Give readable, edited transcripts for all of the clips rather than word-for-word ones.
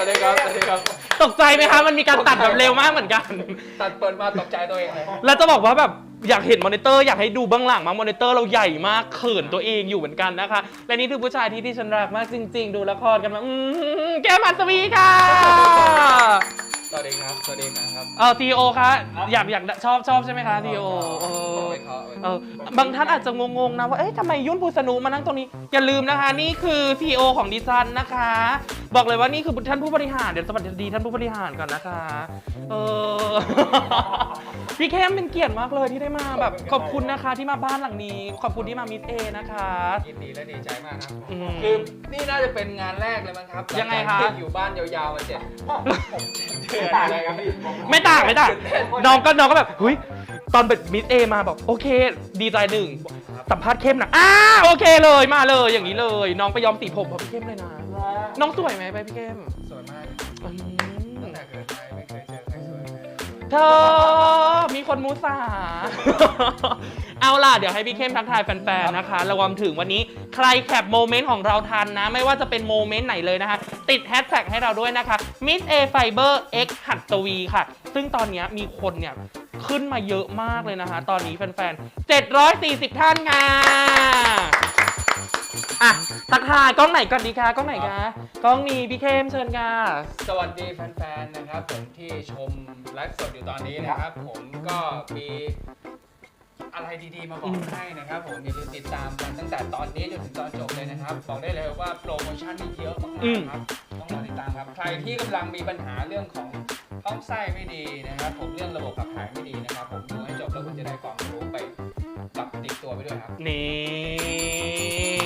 วัสดีครับสวัสดีครับตกใจไหมคะมันมีการตัดแบบเร็วมากเหมือนกันตัดเปิดมาตกใจตัวเองเลยแล้วจะบอกว่าแบบอยากเห็นมอนิเตอร์อยากให้ดูเบื้องหลังมามอนิเตอร์เราใหญ่มากเขินตัวเองอยู่เหมือนกันนะคะและนี่คือผู้ชายที่ฉันรักมากจริงๆดูละครกันมาแก้มอัศวีค่ะสวัสดีครับสวัสดีครับทีโอคะอยากชอบใช่ไหมคะทีโอบางท่านอาจจะงงๆนะว่าเอ๊ะทำไมยุ่นภูสนุมานั่งตรงนี้อย่าลืมนะคะนี่คือทีโอของดิฉันนะคะบอกเลยว่านี่คือท่านผู้บริหารเดี๋ยวสวัสดีท่านผู้บริหารก่อนนะคะพี่เข้มเป็นเกียรติมากเลยที่ได้มาแบบขอบคุณนะคะที่มาบ้านหลังนี้ขอบคุณที่มามิสเอนะคะยินดีและดีใจมากครับคือนี่น่าจะเป็นงานแรกเลยมั้งครับยังไงคะอยู่บ้านยาวๆมา7 เดือนอะไรครับพี่ไม่ต่างน้องก็แบบเฮ้ยตอนเป็นมิสเอมาบอกโอเคดีใจหนึ่งสัมภาษณ์เข้มนะโอเคเลยมาเลยอย่างนี้เลยน้องไปย้อมสีผมพอพี่เข้มเลยนะน้องสวยไหมไปพี่เข้มสวยมากตั้งแต่เกิดมาไม่เคยเจอใครสวยเธอมีคนมูสาเอาล่ะเดี๋ยวให้พี่เข้มทักทายแฟนๆนะคะรวมถึงวันนี้ใครแคปโมเมนต์ของเราทันนะไม่ว่าจะเป็นโมเมนต์ไหนเลยนะคะติดแฮชแท็กให้เราด้วยนะคะ Miss A Fiber X หัตถวีค่ะซึ่งตอนนี้มีคนเนี่ยขึ้นมาเยอะมากเลยนะคะตอนนี้แฟนๆ740ท่านค่ะทักทายกล้องไหนก่อนดีคะกล้องไหนคะกล้องนี้พี่เข้มเชิญค่ะสวัสดีแฟนๆนะครับผมที่ชมไลฟ์สดอยู่ตอนนี้นะครับผมก็มีอะไรดีๆมาบอกให้นะครับผมอย่าลืมติดตามกันตั้งแต่ตอนนี้จนถึงตอนจบเลยนะครับบอกได้เลยว่าโปรโมชั่นนี่เยอะมากๆครับต้องรอติดตามครับใครที่กำลังมีปัญหาเรื่องของท้องไส้ไม่ดีนะครับผมเรื่องระบบขับถ่ายไม่ดีนะครับผมดูให้จบแล้วคุณจะได้ความรู้ไปกับติดตัวไปด้วยครับนี่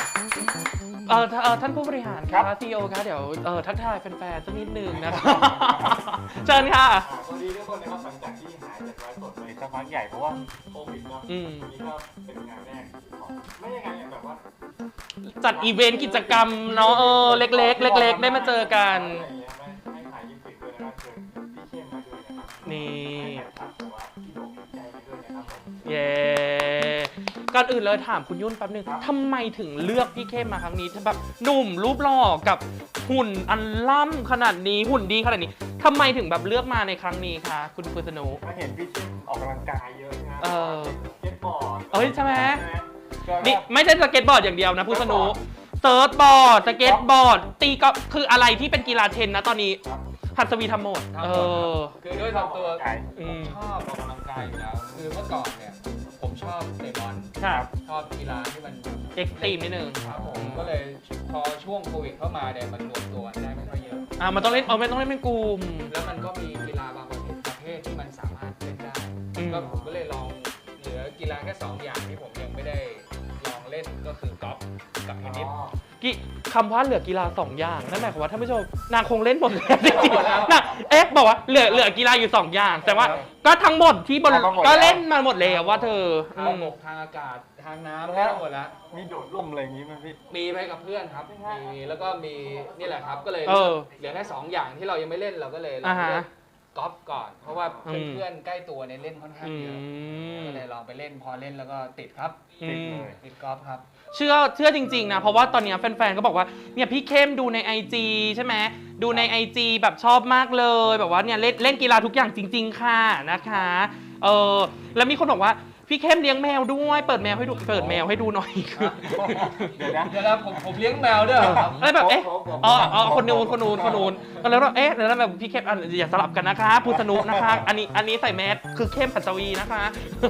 ท่านผู้บริหารค่ะซีโอคะเดี๋ยวทักทายแฟนๆสักนิดนึงนะคะเชิญค่ะสวัสดีทุกคนนะครับหลังจากที่หายจากไลฟ์สดไปสักพักใหญ่เพราะว่าโควิดเนาะนี่ก็เป็นงานแรกของไม่ยังไงแบบว่าจัดอีเวนต์กิจกรรมเนาะเล็กๆได้มาเจอกันให้ถ่ายยิมฟิตด้วยนะครับเชิญพี่เข้มมาด้วยนะครับนี่พี่โด่งใจไปด้วยนะครับเย้ก่อนอื่นเลยถามคุณยุ่นแป๊บนึงทำไมถึงเลือกพี่เข้มมาครั้งนี้แบบหนุ่มรูปหล่อกับหุ่นอันล่ำขนาดนี้หุ่นดีขนาดนี้ทำไมถึงแบบเลือกมาในครั้งนี้คะคุณภูสนุมาเห็นพี่เข้มออกกำลังกายเยอะนะสเก็ตบอร์ดใช่ไหมนี่ไม่ใช่สเก็ตบอร์ดอย่างเดียวนะภูสนุเซิร์ฟบอร์ดสเก็ตบอร์ดตีก็คืออะไรที่เป็นกีฬาเทนนะตอนนี้หัสวีทำหมดคือด้วยทำตัวชอบออกกำลังกายอยู่แล้วคือเมื่อก่อนเนี่ยผมชอบเตะบอลชอบกีฬาที่มันเอ็กซ์ตรีมนิดนึงครับผมก็เลยพอช่วงโควิดเข้ามาเนี่ยมันรวมตัวได้ไม่ค่อยเยอะมันต้องเล่นไม่ต้องเล่นเป็นกลุ่มแล้วมันก็มีกีฬาบางประเภทที่มันสามารถเล่นได้ก็ผมก็เลยลองเหลือกีฬาแค่2 อย่างที่ผมยังไม่ได้ลองเล่นก็คือกอล์ฟกับเทนนิสคำว่าเหลือกีฬา2 อย่างนั่นหมายความว่าท่านผู้ชมนางคงเล่นหมดแล้วจริงๆนะบอกว่าเหลือกีฬาอยู่2 อย่างแต่ว่าก็ทั้งหมดที่บนก็เล่นมาหมดแล้วว่าเธอทางบกทางอากาศทางน้ำแล้วหมดแล้วมีโดดร่มอะไรอย่างนี้ไหมพี่มีไปกับเพื่อนครับมีแล้วก็มีนี่แหละครับก็เลยเหลือแค่2 อย่างที่เรายังไม่เล่นเราก็เลยเล่นกอล์ฟก่อนเพราะว่าเพื่อนใกล้ตัวเนี่ยเล่นค่อนข้างเยอะก็เลยลองไปเล่นพอเล่นแล้วก็ติดครับติดกอล์ฟครับเชื่อจริงๆนะเพราะว่าตอนนี้แฟนๆก็บอกว่าเนี่ยพี่เข้มดูใน IG ใช่ไหมดูใน IG แบบชอบมากเลยแบบว่าเนี่ยเล่นกีฬาทุกอย่างจริงๆค่ะนะคะแล้วมีคนบอกว่าพี่เข้มเลี้ยงแมวด้วยเปิดแมวให้ดูหน่อยเดี๋ยวนะผมเลี้ยงแมวด้วยครับอะไรแบบคนนู้นแล้วแล้วแบบพี่เข้มอย่าสลับกันนะคะภูสนุนะคะอันนี้ใส่แมสคือเข้มหัสวีนะคะ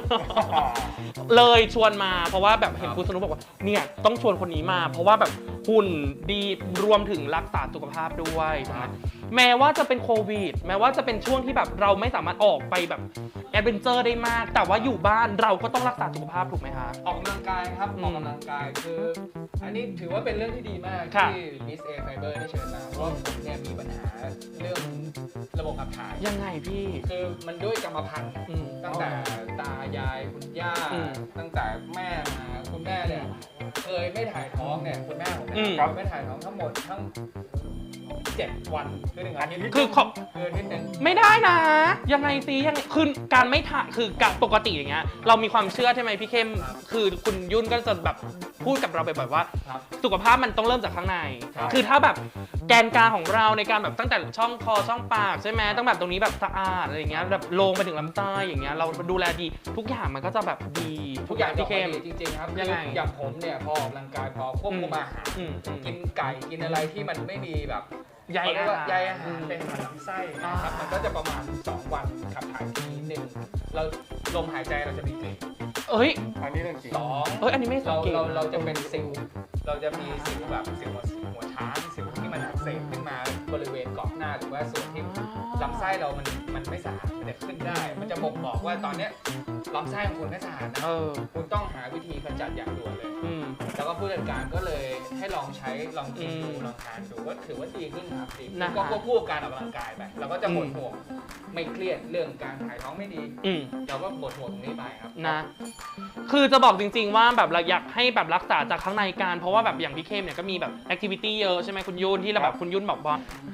เลยชวนมาเพราะว่าแบบเห็นภูสนุบอกว่าเนี่ยต้องชวนคนนี้มาเพราะว่าแบบหุ่นดีรวมถึงรักษาสุขภาพด้วยนะแม้ว่าจะเป็นโควิดแม้ว่าจะเป็นช่วงที่แบบเราไม่สามารถออกไปแบบแอดเวนเจอร์ได้มากแต่ว่าอยู่บ้านเราก็ต้องรักษาสุขภาพถูกไหมคะออกกำลังกายครับออกกำลังกายคืออันนี้ถือว่าเป็นเรื่องที่ดีมากที่ Miss A Fiber ได้เชิญมาเพราะผมเนี่ยมีปัญหาเรื่องระบบขับถ่ายยังไงพี่คือมันด้วยกรรมพันธุ์ตั้งแต่ตายายคุณย่าตั้งแต่แม่มาคุณแม่เนี่ยเคยไม่ถ่ายท้องเนี่ยคุณแม่ผมเนี่ยไม่ถ่ายท้องทั้งหมดทั้ง7 วันคือ1 อาทิตย์คือนิดนึงไม่ได้นะยังไงสิยังคือการไม่ถ่ายคือการปกติอย่างเงี้ยเรามีความเชื่อใช่ไหมพี่เข้มคือคุณยุ่นก็จะแบบพูดกับเราบ่อยๆว่าสุขภาพมันต้องเริ่มจากข้างในคือถ้าแบบแกนกลางของเราในการแบบตั้งแต่ช่องคอช่องปากใช่ไหมต้องแบบตรงนี้แบบสะอาดอะไรอย่างเงี้ยแบบลงไปถึงลำไส้อย่างเงี้ยเราดูแลดีทุกอย่างมันก็จะแบบดีทุกอย่างพี่เข้มจริงๆครับยังไงอย่างผมเนี่ยพอออกกำลังกายพอควบคุมอาหาร กินไก่กินอะไรที่มันไม่มีแบบใยอาหารใยอาหารเป็นลำไส้นะครับมันก็จะประมาณ2 วันขับถ่ายทีหนึ่งเราลมหายใจเราจะมีกลิ่นเอ้ยอันนี้เรื่องจริงอันนี้ไม่สังเกตเราจะเป็นสิวเราจะมีสิวแบบสิวหัวช้างสิวที่มันอักเสบขึ้นมาบริเวณกรอบหน้าหรือว่าส่วนที่ลำไส้เรามันไม่สะอาดมันจะขึ้นได้ มันจะบ่งบอกว่าตอนเนี้ยลำไส้ของคุณไม่สะอาดนะคุณต้องหาวิธีกำจัดอย่างด่วนเลย แล้วก็ผู้จัดการก็เลยให้ลองใช้ลองกินดูลองทานดูก็ถือว่าดีขึ้นครับดีก็ควบคู่กับการออกกำลังกายไปเราก็จะหมดห่วงไม่เครียดเรื่องการถ่ายท้องไม่ดีเราก็หมดห่วงตรงนี้ไปครับนะคือจะบอกจริงๆว่าแบบเราอยากให้แบบรักษาจากข้างในการเพราะว่าแบบอย่างพี่เข้มเนี่ยก็มีแบบแอคทิวิตี้เยอะใช่ไหมคุณยุ่นที่เราแบบคุณยุ่นบอกว่า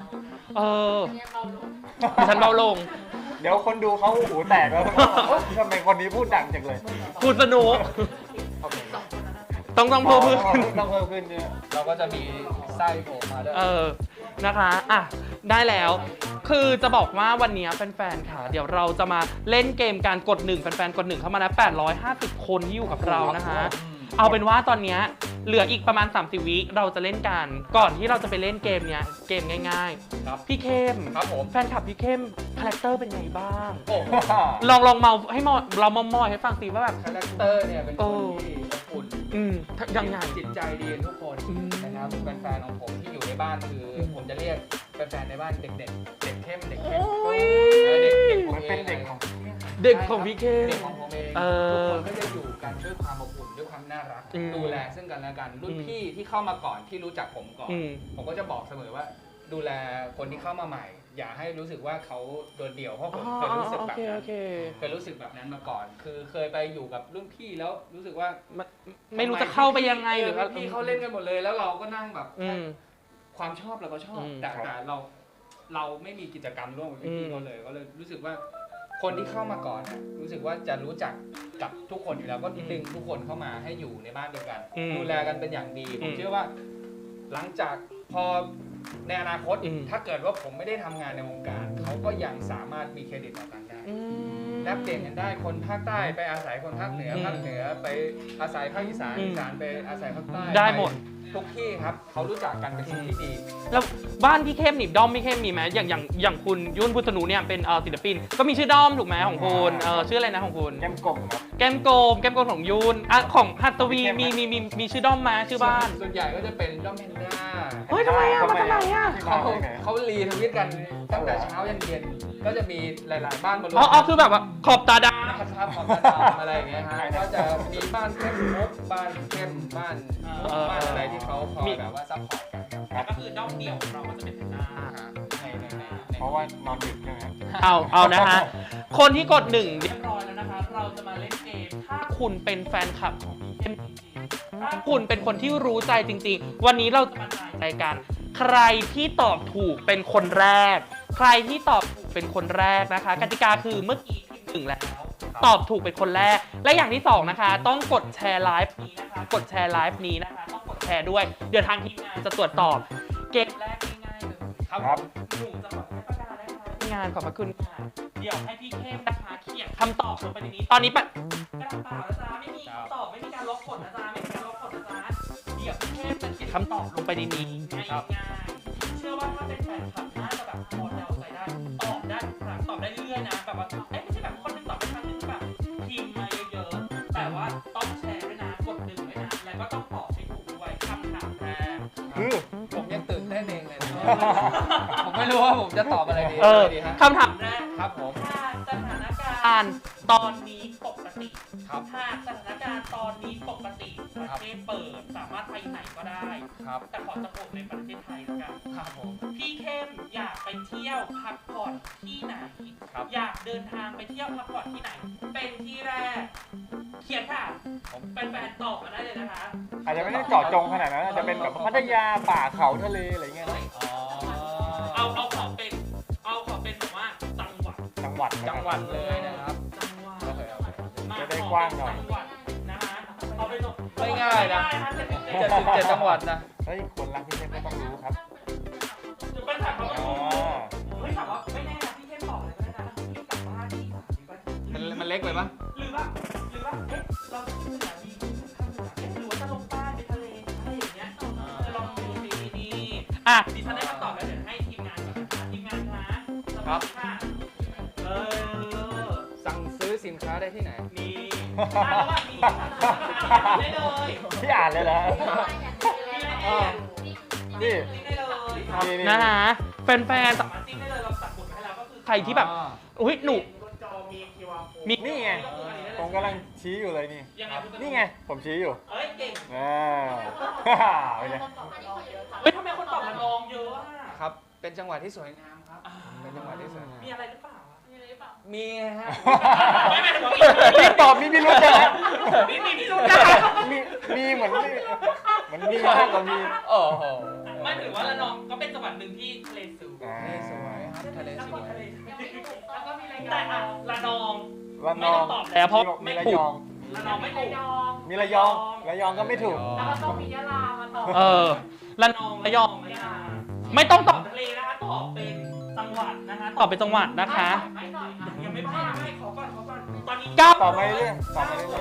ฉันเบาลงเดี๋ยวคนดูเขาหูแตกแล้วทำไมคนนี้พูดดังจังเลยพูดสนุกต้องเพิ่มขึ้นต้องเพิ่มขึ้นเนี่ยเราก็จะมีไส้โผล่มาด้วยนะคะอ่ะได้แล้วคือจะบอกว่าวันนี้แฟนๆค่ะเดี๋ยวเราจะมาเล่นเกมการกด1แฟนๆกด1เข้ามาแล้ว850คนที่อยู่กับเรานะคะเอาเป็นว่าตอนนี้เหลืออีกประมาณ30 วิเราจะเล่นกันก่อนที่เราจะไปเล่นเกมเนี้ยเกมง่ายๆครับพี่เข้มครับผมแฟนคลับพี่เข้มคาแรคเตอร์เป็นไงบ้างลองเมาให้เรามอให้ฟังสิว่าแบบคาแรคเตอร์เนี่ยเป็นคนที่อบอุ่นยังไงจิตใจดีทุกคนนะครับแฟนๆของผมที่อยู่ในบ้านคือผมจะเรียกแฟนๆในบ้านเด็กเข้มเด็กเข้มมันเป็นเด็กของพี่เข้มเด็กของผมเองทุกคนก็จะอยู่กันด้วยความอบอุ่นด้วยความน่ารักดูแลซึ่งกันและกันรุ่นพี่ที่เข้ามาก่อนที่รู้จักผมก่อนผมก็จะบอกเสมอว่าดูแลคนที่เข้ามาใหม่อย่าให้รู้สึกว่าเขาโดดเดี่ยวเพราะผมเคยรู้สึกแบบนั้นเคยรู้สึกแบบนั้นมาก่อนคือเคยไปอยู่กับรุ่นพี่แล้วรู้สึกว่าไม่รู้จะเข้าไปยังไงหรือว่าพี่เขาเล่นกันหมดเลยแล้วเราก็นั่งแบบความชอบเราก็ชอบแต่เราไม่มีกิจกรรมร่วมกับพี่เขาเลยก็เลยรู้สึกว่าคนที่เข้ามาก่อนรู้สึกว่าจะรู้จักกับทุกคนอยู่แล้วก็ดึงทุกคนเข้ามาให้อยู่ในบ้านเดียวกันดูแลกันเป็นอย่างดีผมเชื่อว่าหลังจากพอในอนาคตถ้าเกิดว่าผมไม่ได้ทำงานในวงการเขาก็ยังสามารถมีเครดิตต่อกันได้แลกเปลี่ยนกันได้คนภาคใต้ไปอาศัยคนภาคเหนือไปอาศัยภาคอีสานไปอาศัยภาคใต้ได้หมดทุกที่ครับเขารู้จักกันเป็นสิ่งที่ดีแล้วบ้านพี่เข้มนี่ด้อมพี่เข้มมีไหมอย่างคุณยุ่นพุทธนูเนี่ยเป็นศิลปินก็มีชื่อด้อมถูกไหมของคุณชื่ออะไรนะของคุณแก้มกลมครับแก้มกลมของยุ่นของหัตถวีมีชื่อด้อมมาชื่อบ้านส่วนใหญ่ก็จะเป็นด้อมแพนด้าเฮ้ยทำไมมาจากไหนเขารีทวิตกันตั้งแต่เช้ายันเย็นก็จะมีหลายๆบ้านมารวมคือแบบว่าขอบตาดำขอบตาดำอะไรอย่างเงี้ยฮะก็จะมีบ้านเข้มมุกบ้านเข้มบ้านอะไรที่เขาคอยแบบว่าซัพพอร์ตกันก็คือด้อมเดี่ยวของเรามันจะเป็นแพนด้าเพราะว่านอนดึกใช่ไหมเอานะฮะคนที่กด1เรียบร้อยแล้วนะคะเราจะมาเล่นเกมถ้าคุณเป็นแฟนคลับของพี่เข้มถ้าคุณเป็นคนที่รู้ใจจริงๆวันนี้เราจะมาถ่ายรายการใครที่ตอบถูกเป็นคนแรกใครที่ตอบถูกเป็นคนแรกนะคะกติกาคือเมื่อกี้ที1แล้วตอบถูกเป็นคนแรกและอย่างที่2นะคะต้องกดแชร์ไลฟ์นี้นะคะกดแชร์ไลฟ์นี้นะคะต้องกดแชร์ด้วยเดี๋ยวทางทีมงานจะตรวจสอบเกมแรกง่ายๆเลยครับหนูจะบอกให้ประกาศได้ค่ะงานขอบพระคุณค่ะเดี๋ยวให้พี่เข้มนะคะเขียนคำตอบลงไปในนี้ตอนนี้กระดาษเปล่านะจ๊ะไม่มีคำตอบไม่มีการลบกดนะจ๊ะไม่มีการลบกดนะจ๊ะเดี๋ยวพี่เข้มจะเขียนคำตอบลงไปในนี้ง่ายๆเชื่อว่าถ้าเป็นแฟนคลับน่าจะแบบพอเดาใจได้ตอบได้ทุกครั้งตอบได้เรื่อยๆนะแบบว่าไม่ใช่แบบคนนึงตอบไปครั้งนึงแบบพิมพ์มาเยอะๆแต่ว่าต้องแชร์ด้วยนะกด1ด้วยนะแล้วก็ต้องตอบให้ถูกด้วยคำถามแรกผมยังตื่นเต้นเองเลยผมไม่รู้ว่าผมจะตอบอะไรดีคำถามแรกครับผมสถานการณ์ตอนนี้ปกติหากสถานการณ์ตอนนี้ปกติประเทศเปิดสามารถไปไหนก็ได้แต่ขอจะโปรดในประเทศไทยแล้วกันครับผมพี่เข้มอยากไปเที่ยวพักผ่อนที่ไหนอยากเดินทางไปเที่ยวพักผ่อนที่ไหนเป็นที่แรกเขียนค่ะเป็นแฟนตอบมาได้เลยนะคะอาจจะไม่ได้เจาะจงขนาดนั้นอาจจะเป็นแบบพัทยาป่าเขาทะเลอะไรเงี้ยเอาขอเป็นแบบว่าจังหวัดเลยนะครับจะได้กว้างหน่อยนะคะเอาเป็นไม่ง่ายนะ77จังหวัดนะเฮ้ยคนรักพี่เข้มก็ต้องรู้ครับมันเล็กไปปะหรือว่าเอ๊ะเราจะขึ้นเหนือดีหรือว่าจะลงใต้ไปทะเลอะไรอย่างเงี้ยจะลองดูดีดิฉันได้คำตอบแล้วเดี๋ยวให้ทีมงานก่อนนะคะทีมงานคะสวัสดีค่ะสั่งซื้อสินค้าได้ที่ไหนมีแล้วว่ามีได้เลยพี่อ่านเลยเหรอนี่ได้เลยนี่นะฮะแฟนๆสามารถจิ้มได้เลยเราตัดบทมาให้แล้วก็คือใครที่แบบอุ้ยหนูมีนี่ไงผมกำลังชี้อยู่เลยนี่ยังไงคุณจะนี่ไงผมชี้อยู่เอ้ยเก่งเป็นไงเฮ้ยทำไมคนตอบระนองเยอะอ่ะครับ เป็นจังหวัดที่สวยงามครับ เป็นจังหวัดที่สวยงามมีอะไรหรือเปล่ามีฮะไม่หมายถึงว่ารีบตอบมีพิรุธนะมีพิรุธนะคะมีเหมือนมีมากกว่ามีโอ้โหไม่ถือว่าระนองก็เป็นจังหวัดหนึ่งที่ทะเลสูงทะเลสวยครับทะเลสวยแล้วก็มีแต่อ่ะระนองระนไม่อต้อง งตอบแล้วเพราะมีไม่ระถูยกองระนองไม่ถูกมีระยองก็ไม่ถูกแล้วก็ต้องมียะลามาต่อระนองระยองไม่ต้องตอบทะเลนะคะตอบเป็นจังหวัดนะคะตอบเป็นจังหวัดนะคะไม่หน่อยค่ะยังไม่พลาดไม่ขอก่อนตอนนี้เก้าตอบไปเรื่อยตอบไปเรื่อย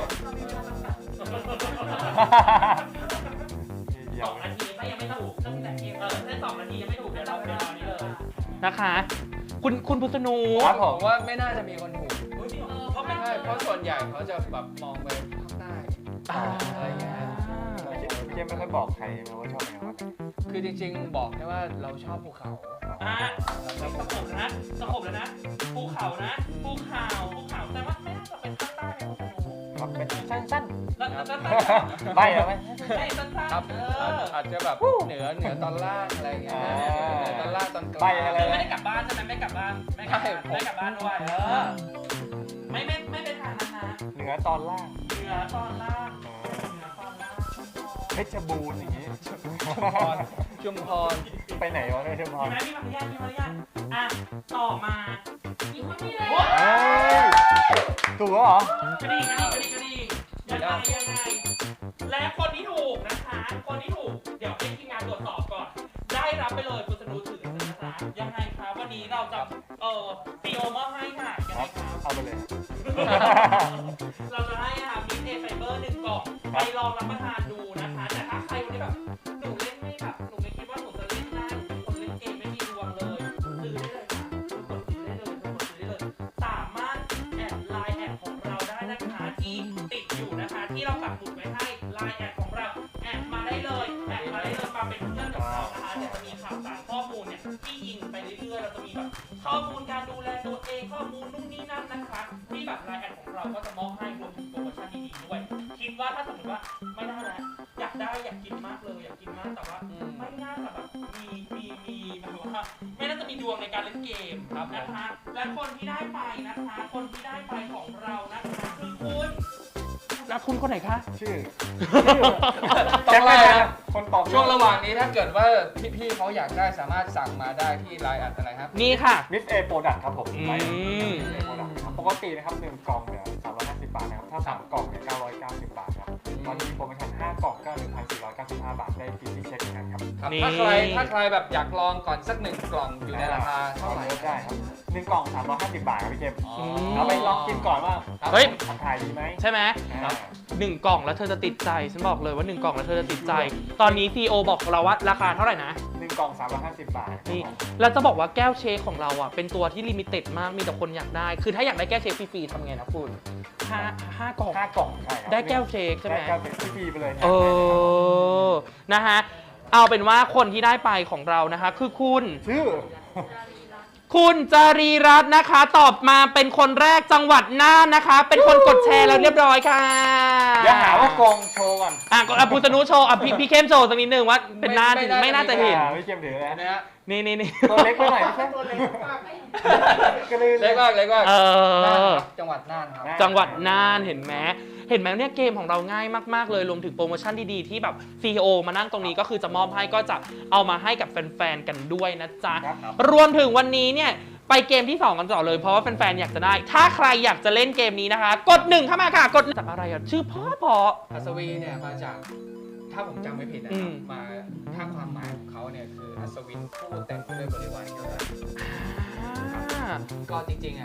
2 นาทีถ้ายังไม่ถูกตั้งแต่เกมถ้า2 นาทียังไม่ถูกเดี๋ยวเราเวลานี้เลยนะคะคุณพุทธนูครับผผม มว่าไม่น่าจะมีคนถูกเพราะไม่ใช่เพราะส่วนใหญ่เขาจะแบบมองไปภาคใต้อะไรอย่างเงี้ยเกมไม่ค่อยบอกใครนะว่าชอบแนวอะไรคือจริงๆบอกแค่ว่าเราชอบภูเขาสะกบแล้วนะภูเขาแต่ว่าไม่น่าจะเป็นภาคใต้ในพุทธนูครับเป็นสั้นแล้วๆไม่เหรอไหมไม่สั้นครับอาจจะแบบเหนือตอนล่างอะไรอย่างเงี้ยเหนือตอนล่างตอนกลางไปอะไรไม่ได้กลับบ้านใช่ไหมไม่กลับบ้านไม่กลับบ้านด้วยไม่ไปทางนั้นนะเหนือตอนล่างเหนือตอนล่างเพชรบูรณ์อย่างนี้ชุมพรไปไหนวะเพชรบูรณ์มีมารยาทอ่ะต่อมามีคนที่เลยเฮ้ยถูกแล้วเหรอกระดิ่งยังไงและคนที่ถูกนะคะคนที่ถูกเดี๋ยวให้ทีมงานตรวจสอบก่อนได้รับไปเลยคุณสนุถือนะคะยังไงคะวันนี้เราจะซีโอมอบให้ค่ะยังคไงรับคะเอาไปเลยเราจะให้มิสเอไฟเบอร์1 กล่องไปลองรับประทานดูนะคะแต่ถ้าใครวันนี้แบบหนูเล่นไม่แบบหนูไม่คิดว่าหนูจะเล่นได้คนเล่นเกมไม่มีดวงเลยซื้อได้เลยค่ะกดซื้อได้เลยสามารถแอดไลน์แอดของเราได้นะคะที่ติดอยู่นะคะที่เราปักหมุดไว้ให้ไลน์แอดของเราแอดมาได้เลยมาเป็นเพื่อนกับเรานะคะเดี๋ยวจะมีข่าวสารข้อมูลเนี่ยที่ยิงไปเรื่อยๆเราจะมีแบบข้อมูลการดูแลตัวเองข้อมูลนู่นนี่นั่นนะคะที่แบบไลน์แอดของเราก็จะมอบให้รวมถึงโปรโมชั่นดีๆด้วยคิดว่าถ้าสมมติว่าไม่ได้แล้วอยากกินมากเลยอยากกินมากแต่ว่าไม่น่าจะแบบมีแบบว่าไม่น่าจะมีดวงในการเล่นเกมนะคะและคนที่ได้ไปนะคะคนที่ได้ไปของเรานะคะคือคุณแล้วคุณคนไหนคะชื่อต้องไล่นะคนตอบช่วงระหว่างนี้ถ้าเกิดว่าพี่ๆเขาอยากได้สามารถสั่งมาได้ที่ไลน์แอดอะไรครับนี่ค่ะมิสเอโปรดักครับผมอืมไปมิสเอโปรดักครับปกตินะครับ1 กล่องเนี่ย350 บาทนะครับถ้า3 กล่องเนี่ย990 บาทครับตอนนี้โปรโมชั่น5 กล่องก็ 1,495 บาทได้ฟรีเช็คเหมือนกันครับครับนี่ถ้าใครแบบอยากลองก่อนสัก1 กล่องอยู่ในราคาเท่าไหร่ลดได้ครับ1 กล่อง350 บาทครับพี่เจมส์อ๋อเอาไปลองกินก่อนว่าเฮ้ยทำถ่ายดีไหมใช่ไหมอ่า 1 กล่องแล้วเธอจะติดใจฉันบอกเลยว่า1 กล่องแล้วเธอจะติดใจ ตอนนี้ CEO บอกเราว่าราคาเท่าไหร่นะ 1 กล่อง350 บาทครับนี่ผมแล้วจะบอกว่าแก้วเชคของเราอ่ะเป็นตัวที่ลิมิเต็ดมากมีแต่คนอยากได้ คือถ้าอยากได้แก้วเชคฟรีๆทำไงนะคุณห้ากล่อง 5 กล่องใช่ครับได้แก้วเชคใช่ไหมได้แก้วเชคฟรีไปเลยนะฮะเอาเป็นว่าคนที่ได้ไปของเรานะคะคือคุณชื่อคุณจารีรัตน์นะคะ ตอบมาเป็นคนแรกจังหวัดน่านนะคะ เป็นคนกดแชร์แล้วเรียบร้อยค่ะอย่าหาว่ากองโชว์ก่อนก็พุทธนุโชว์พี่เข้มโชว์สักนิดนึงว่าเป็นน่านไม่น่าจะเห็นพี่เกมถือเลยเห็นไหมฮะนี่ตัวเล็กไปหน่อยไม่ใช่ตัวเล็กมากก็เลยเล็กมากเอน่านอครับจังหวัดน่านครับจังหวัดน่านเห็นไหมเนี่ยเกมของเราง่ายมากๆเลยรวมถึงโปรโมชั่นดีๆที่แบบ CEO มานั่งตรงนี้ก็คือจะมอบให้ก็จะเอามาให้กับแฟนๆกันด้วยนะจ๊ะครับรวมถึงวันนี้เนี่ยไปเกมที่ 2 กันต่อเลยเพราะว่าแฟนๆอยากจะได้ ถ้าใครอยากจะเล่นเกมนี้นะคะ กด 1 เข้ามาค่ะกดจากอะไรอ่ะชื่อเพออัศวีเนี่ยมาจากถ้าผมจำไม่ผิดนะอืครับมมาถ้าความหมายของเขาเนี่ยคืออัศวินผู้เต็มไปด้วยบริวารเยอะก็จริงๆอ่ะพู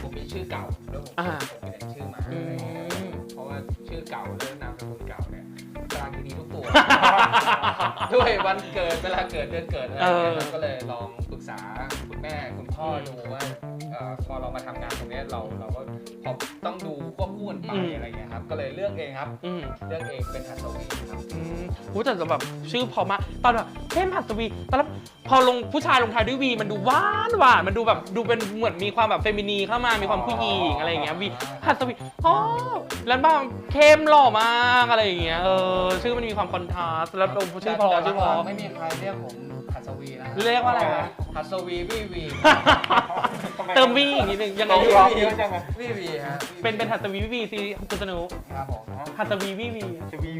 ผมมีชื่อเก่าแล้วผมเปลี่ยนชื่อมาอะไรอย่างเงี้ยเพราะว่าชื่อเก่าเรื่องนามสกุลเก่าเนี่ยกลางดีทุกตัว ด้วยวันเกิดเวลาเกิดเดือนเกิดอะไรอย่างเงี้ยก็เลยลองปรึกษาคุณแม่คุณพ่อดูว่าพอเรามาทำงานตรงนี้เราก็พอต้องดูควบคู่กันไปอะไรอย่างเงี้ยครับก็เลยเลือกเองครับเลือกเองเป็นหัสวีครับแต่แบบชื่อพอมากตอนแบบเข้มหัสวีตอนแล้วพอลงผู้ชายลงท้ายด้วยวีมันดูหวานมันดูแบบดูเป็นเหมือนมีความแบบเฟมินีเข้ามามีความผู้หญิงอะไรอย่างเงี้ยวีหัสวีแล้วบ้างเข้มหล่อมากอะไรอย่างเงี้ยชื่อมันมีความคอนทราสต์แล้วชื่อพอไม่มีใครเรียกผมหัสวีนะเรียกว่าอะไรหัสวีวีเติมวีอีกนิดนึงยังไงดีวีฮะเป็นหัสวีวีซีคุณสนุกครับผมหัสวีวีจะวี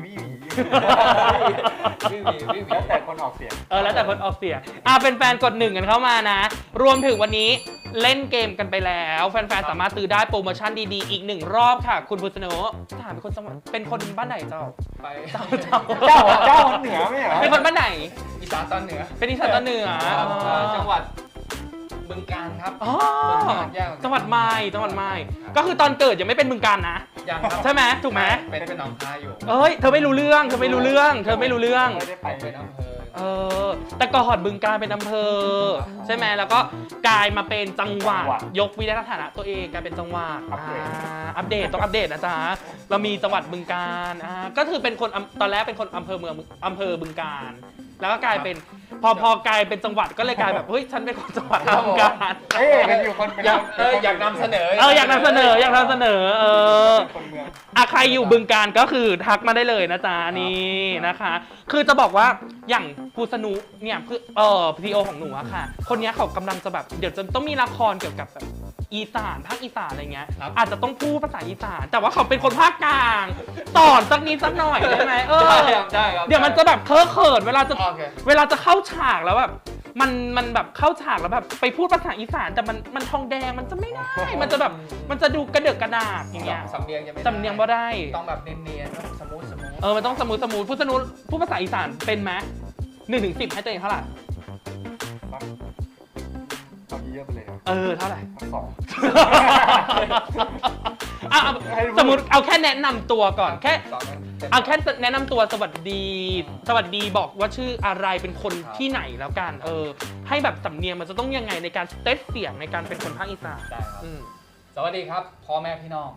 แล้วแต่คนออกเสียงแล้วแต่คนออกเสียงเป็นแฟนกด1กันเข้ามานะรวมถึงวันนี้เล่นเกมกันไปแล้วแฟนๆสามารถซื้อได้โปรโมชั่นดีๆอีก1รอบค่ะคุณพุทธโนถามเป็นคนจังหวัดเป็นคนบ้านไหนเจ้าไปเจ้าเหนือไม่เหรอเป็นคนบ้านไหนอีสานตอนเหนือเป็นอีสานตอนเหนือจังหวัดบึงกาฬครับจังหวัดไม้ก็คือตอนเกิดยังไม่เป็นบึงกาฬนะยังครับใช่ไหมถูกไหมเป็นหนองคายอยู่เธอไม่รู้เรื่องไม่ได้ไปเป็นอำเภอแต่ก่อนบึงกาฬเป็นอำเภอใช่ไหมแล้วก็กลายมาเป็นจังหวัดยกวิทยาฐานะตัวเองกลายเป็นจังหวัดอัปเดตต้องอัปเดตนะจ๊ะเรามีจังหวัดบึงกาฬก็คือเป็นคนตอนแรกเป็นคนอำเภอเมืองอำเภอบึงกาฬแล้วก็กลายเป็นพอกลายเป็นจังหวัดก็เลยกลายแบบเฮ้ยฉันเป็นคนจังหวัดบึงกาฬกันอยู่คนอยากนำเสนออยากนำเสนอใครอยู่บึงกาฬก็คือทักมาได้เลยนะจ๊ะนี่นะคะคือจะบอกว่าอย่างภูสนุเนี่ยคือพีโอของหนูอะค่ะคนนี้เขากำลังจะแบบเดี๋ยวจะต้องมีละครเกี่ยวกับแบบอีสานภาคอีสานอะไรเงี้ยอาจจะต้องพูดภาษาอีสานแต่ว่าเขาเป็นคนภาคกลางสอนสักนิดสักหน่อยได้ไหมได้ครับเดี๋ยวมันจะแบบเขินเวลาจะเข้าฉากแล้วแบบมันแบบเข้าฉากแล้วแบบไปพูดภาษาอีสานแต่มันทองแดงมันจะไม่ได้มันจะแบบมันจะดูกระเดือกกระดาษอย่างเงี้ยสำเนียงยังไม่สำเนียงบ่ได้ต้องแบบเนียนๆสมูทมันต้องสมูทพูดภาษาอีสานเป็นไหม1-10ให้ตัวเองเท่าไหร่เยอะไปเลยเท่าไหร่ 2 สมมติเอาแค่แนะนำตัวก่อนแค่แนะนำตัวสวัสดีบอกว่าชื่ออะไรเป็นคนที่ไหนแล้วกันให้แบบสำเนียงมันจะต้องยังไงในการเทสเสียงในการเป็นคนภาคอีสานได้ครับสวัสดีครับพ่อแม่พี่น้อง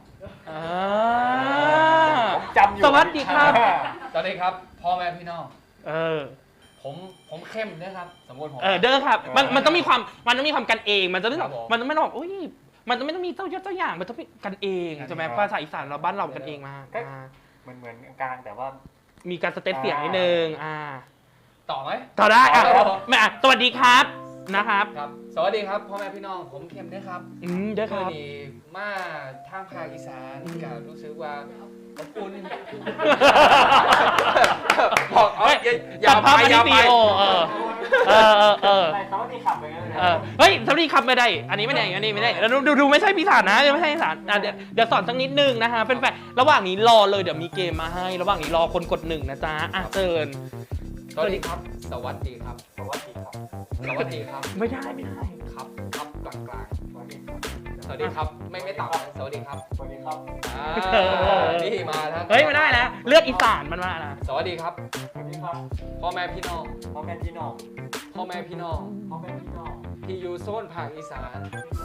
จำอยู่สวัสดีครับสวัสดีครับพ่อแม่พี่น้องผมเข้มนะครับสมมติผมเด้อครับมันต้องมีความกันเองมันจะไม่ต้องอุ้ยมันไม่ต้องมีเจ้ายศเจ้าอย่างมันต้องมีกันเองใช่ไหมภาษาอีสานเราบ้านเรากันเองมากเหมือนกลางแต่ว่ามีการสเตตเสียงนิดนึงต่อไหมต่อได้สวัสดีครับนะครับสวัสดีครับพ่อแม่พี่น้องผมเข้มนะครับเด้อครับนี่มาทางภาคอีสานก็รู้สึกว่าอบอุ่นบอกอย่าไปสวัสดีขับไปงั้นเลยเฮ้ยสวัสดีขับไม่ได้อันนี้ไม่ได้แล้วดูไม่ใช่พิสานนะไม่ใช่พิสานเดี๋ยวสอนสักนิดนึงนะฮะเป็นแฟนระหว่างนี้รอเลยเดี๋ยวมีเกมมาให้ระหว่างนี้รอคนกด1นะจ๊ะเชิญสวัสดีครับสวัสดีครับไม่ได้ครับกลางสวัสดีครับไม่ต่ำสวัสดีครับนี่มาแล้วเฮ้ยไม่ได้แล้วเลือกอีสานมันมานะสวัสดีครับพ่อแม่พี่น้องที่อยู่โซนภาคอีสาน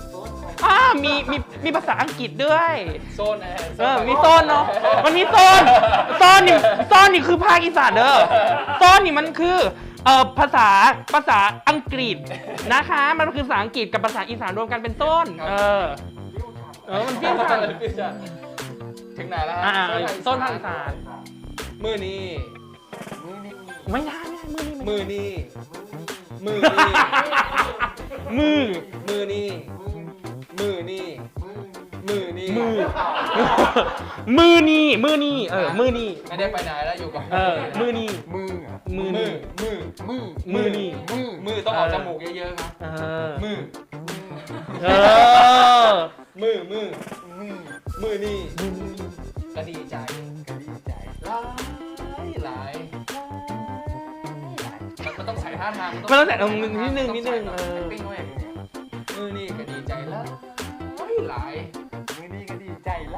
มีภาษาอังกฤษด้วยโซนมีโซนเนาะมันมีโซนนี่คือภาคอีสานเด้อโซนนี่มันคือภาษาอังกฤษนะคะมันคือภาษาอังกฤษกับภาษาอีสานรวมกันเป็นโซนมันพิ้วกันถึงไหนแล้วฮะโซนภาคอีสานมือนี้ไม่ได้มือนี้มือนี่ไม่ได้ไปไหนแล้วอยู่กับมือนี่ต้องออกจมูกเยอะๆครับมือนี่ก็ดีใจหลายมันต้องใส่ท่าทางมันต้องใส่นิดนึงปิ้งไว้มือนี่ก็ดีใจแล้วหลายมื้อนี้ก็ดีใจแล้ว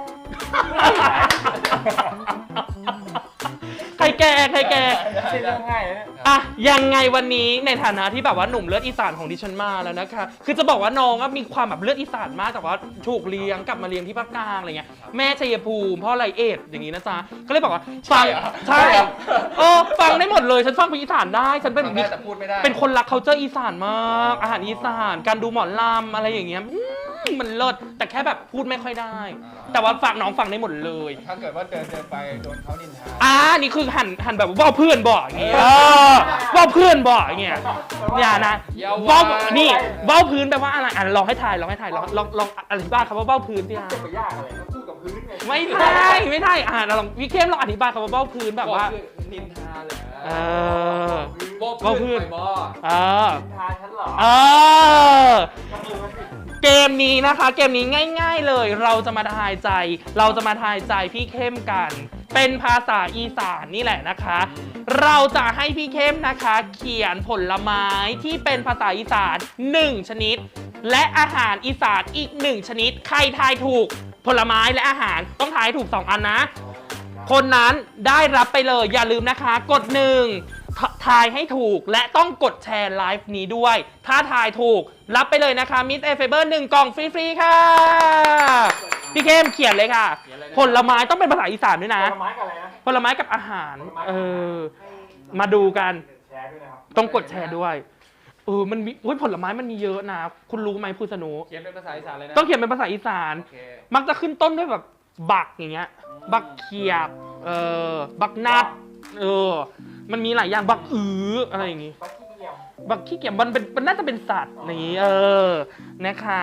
ใครแก่ใครแก่ไม่ใช่เรื่องง่ายนะอะยังไงวันนี้ในฐานะที่แบบว่าหนุ่มเลือดอีสานของดิฉันมาแล้วนะคะคือจะบอกว่าน้องอะมีความแบบเลือดอีสานมากแต่ว่าถูกเลี้ยงกลับมาเลี้ยงที่ภาคกลางอะไรเงี้ยแม่ชัยภูมิพ่อไรเอ็ดอย่างงี้นะจ๊ะก็เลยบอกว่าฟังใช่ฟังได้หมดเลยฉันฟังเป็นอีสานได้ฉันเป็นฟังได้แต่พูดไม่ได้เป็นคนรัก culture อีสานมากอาหารอีสานการดูหมอลำอะไรอย่างเงี้ยมันเลิศแต่แค่แบบพูดไม่ค่อยได้ แต่ว่าฝากน้องฟังได้หมดเลยถ้าเกิดว่าเดินไปโดนเขานินทานี่คือหันแบบว่าเพื่อนบ่อย่างเงี้ยว่าเพื่อนบ่อย่างเงี้ยอย่านะว่านี่ว่าพื้นแปลว่าอะไรลองให้ทายลองอธิบายคำว่าว่าพื้นสิฮะจะไปยากอะไรก็พูดกับพื้นไงไม่ได้เราลองพี่เข้มลองอธิบายคำว่าว่าพื้นแบบว่านินทาเหรอว่าพื้นไปบ่นินทาฉันเหรอ ก็คือมันสิเกมนี้นะคะเกมนี้ง่ายๆเลยเราจะมาทายใจพี่เข้มกัน เป็นภาษาอีสานนี่แหละนะคะ เราจะให้พี่เข้มนะคะ เขียนผลไม้ที่เป็นภาษาอีสาน1ชนิด และอาหารอีสานอีก1ชนิดใครทายถูกผลไม้และอาหารต้องทายถูก2อันนะ คนนั้นได้รับไปเลยอย่าลืมนะคะกด1ทายให้ถูกและต้องกดแชร์ไลฟ์นี้ด้วย ถ้าทายถูกรับไปเลยนะคะมิสเอฟเบอร์1กล่องฟรีๆค่ะพี่เข้มเขียนเลยค่ะ ผลไม้ต้องเป็นภาษาอีสานด้วยนะผลไม้กับอะไรนะผลไม้กับอาหารมาดูกันแชร์ด้วยนะครับต้องกดแชร์ด้วยมันมีผลไม้มันมีเยอะนะคุณรู้ไหมคุณสนุเขียนเป็นภาษาอีสานเลยนะต้องเขียนเป็นภาษาอีสานโอเคมักจะขึ้นต้นด้วยแบบบักอย่างเงี้ยบักเขียบบักนัดมันมีหลายอย่างบักอะไรอย่างงี้บักขี้เกียจบักขี้เกียจมันน่าจะเป็นสัตว์นี้นะคะ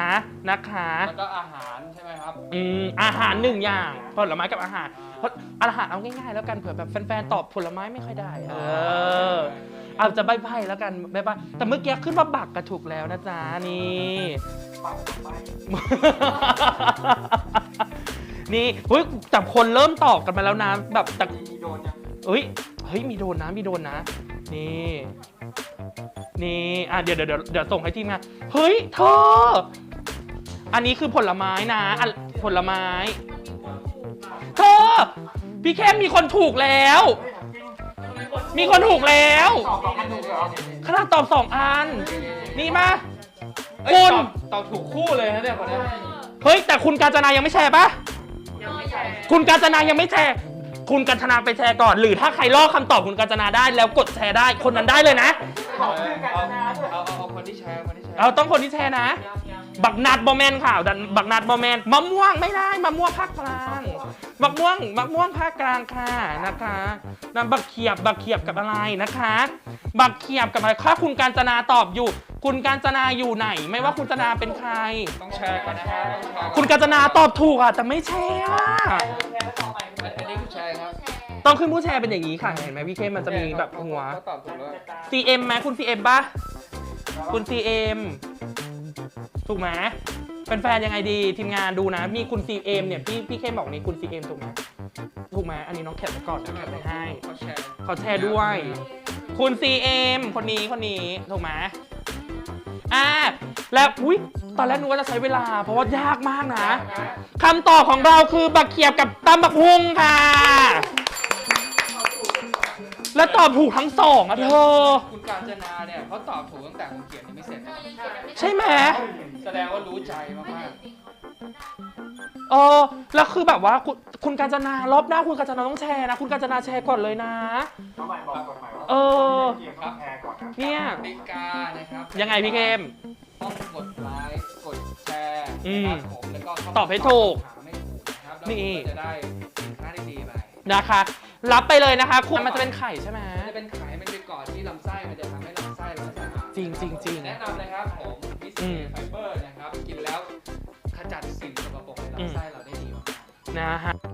แล้วก็อาหารใช่ไหมครับอาหาร1อย่างผลไม้กับอาหารเพราะอาหารเอาง่ายๆแล้วกันเผื่อแบบแฟนๆตอบผลไม้ไม่ค่อยได้เอาจะใบ้ๆแล้วกันใบ้ๆแต่เมื่อกี้ขึ้นว่าบักกระถูกแล้วนะจ๊ะนี่ปักไปนี่แต่คนเริ่มตอบกันมาแล้วนะแบบแต่มีโดนยังเฮ้ยมีโดนนะนี่เดี๋ยวส่งให้ทีมงานเฮ้ยเธออันนี้คือผลไม้นะผลไม้เธอพี่เข้มมีคนถูกแล้วเฮ้ยถามจริงมีคนถูกแล้วตอบ2 อันถูกเหรอขนาดตอบ2 อันนี่มาเอ้ยคุณตอบถูกคู่เลยนะเนี่ยคนนี้เฮ้ยแต่คุณกาญจนายังไม่แชร์ปะยังไม่แชร์คุณกาญจนายังไม่แชร์คุณกาญจนาไปแชร์ก่อนหรือถ้าใครลอกคำตอบคุณกาญจนาได้แล้วกดแชร์ได้คนนั้นได้เลยนะบอกชื่อกันนะด้วยเอาคนที่แชร์คนที่แชร์เราต้องคนที่แชร์นะ บักนัดบอแมนค่ะบักนัดบอแมนมะม่วงไม่ได้มะม่วงภาคกลางมะม่วงภาคกลางค่ะนะคะนั่นบักเขียบกับอะไรนะคะ บักเขียบกับอะไรถ้าคุณกาญจนาตอบอยู่ คุณกาญจนาอยู่ไหน ไม่ว่าคุณกาญจนาเป็นใครต้องแชร์กันนะครับต้องแชร์คุณกาญจนาตอบถูกอ่ะแต่ไม่แชร์อะอันนี้คือแชร์ครับต้องขึ้นผู้แชร์เป็นอย่างนี้ค่ะเห็นไหมพี่เข้มมันจะมีแบบหัวเขาตอบถูกแล้ว CM ไหมคุณ CM ป่ะคุณ CM ถูกไหมเป็นแฟนยังไงดีทีมงานดูนะ มีคุณ CM เนี่ยพี่เข้มบอกนี่คุณ CM ถูกไหมอันนี้น้องแคปไปก่อนจะแคปไปให้เขาแชร์เขาแชร์ด้วย คุณ CM คนนี้ถูกไหมแล้วตอนแรกนึกว่าจะใช้เวลาเพราะว่ายากมากนะคำตอบของเราคือบักเขียบกับตำบักฮุงค่ะ แล้วตอบถูกทั้งสองอ่ะเธอคุณกาญจนาเนี่ยเขาตอบถูกตั้งแต่ผมเขียนยังไม่เสร็จนะใช่ไหมแสดงว่ารู้ใจมากแล้วคือแบบว่าคุณกาญจนารอบหน้าคุณกาญจนาต้องแชร์นะคุณกาญจนาแชร์ก่อนเลยนะน้องใหม่บอกกฎหมายว่า เกียร์ต้องแชร์ก่อนนะเนี่ยๆติกานะครับยังไงพี่เข้มต้องกดไลค์กดแชร์นะครับผมแล้วก็เข้าตอบให้ถูกถามให้ถูกนะครับแล้วนี่คุณก็จะได้สินค้าดีๆไปนะคะรับไปเลยนะคะคุณมันจะเป็นไข่ใช่ไหมมันจะเป็นไขมันไปเกาะที่ลำไส้มันจะทำให้ลำไส้เราสะอาดจริงแนะนำเลยครับผมวิสอืเซมไฟเบอร์นะครับกินแล้วขจัดสิ่งสกปรกในลำไส้เราได้ดีมากนะฮะ